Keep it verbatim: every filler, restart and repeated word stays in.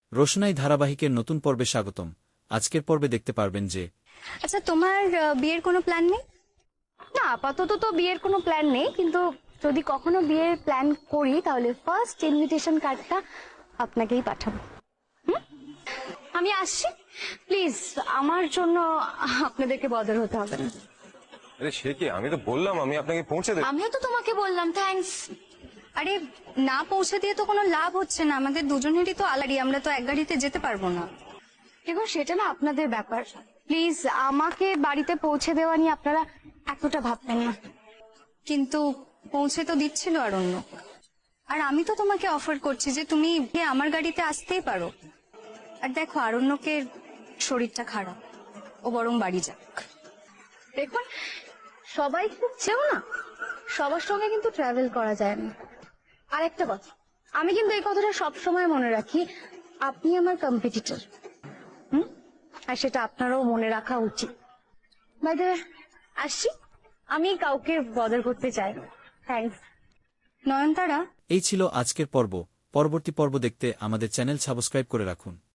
রোশনাই ধারাবাহিকের নতুন পর্বে স্বাগতম। আজকের পর্বে দেখতে পারবেন যে আচ্ছা, তোমার আহ, বিয়ের কোনো প্ল্যান নেই? না, আপাতত তো বিয়ের কোনো প্ল্যান নেই, কিন্তু যদি কখনো বিয়ের প্ল্যান করি তাহলে ফার্স্ট ইনভিটেশন কার্ডটা আপনাকেই পাঠাবো। হুম? আমি আসছি, প্লিজ আমার জন্য আপনাদেরকে বদর হতে হবে না। আরে সে কি, আমি তো বললাম আমি আপনাকে পৌঁছে দেব। আমিও তো তোমাকে বললাম থ্যাঙ্কস। আরে না পৌঁছে দিয়ে তো কোনো লাভ হচ্ছে না, আমাদের দুজনেরই তো আলাদা, আমরা তো এক গাড়িতে যেতে পারবো না। দেখো সেটা না আপনাদের ব্যাপার, প্লিজ আমাকে বাড়িতে পৌঁছে দেওয়া নিয়ে আপনারা এতটা ভাববেন না। কিন্তু পৌঁছে তো দিচ্ছিল আর অন্য, আর আমি তো তোমাকে অফার করছি যে তুমি আমার গাড়িতে আসতেই পারো। আর দেখো আরণ্যকের শরীরটা খারাপ, ও বরং বাড়ি যাক। দেখুন সবাই খুঁজছেও না, সবার সঙ্গে কিন্তু ট্রাভেল করা যায় না। আর একটা কথা, আমি কিন্তু এই কথাটা সবসময় মনে রাখি, আপনি আমার কম্পিটিটর, হুম, আর সেটা আপনারও মনে রাখা উচিত। বাই দ্য ওয়ে, আসছি, আমি কাউকে বদর করতে চাই না। থ্যাঙ্কস। নয়নতারা, এই ছিল আজকের পর্ব। পরবর্তী পর্ব দেখতে আমাদের চ্যানেল সাবস্ক্রাইব করে রাখুন।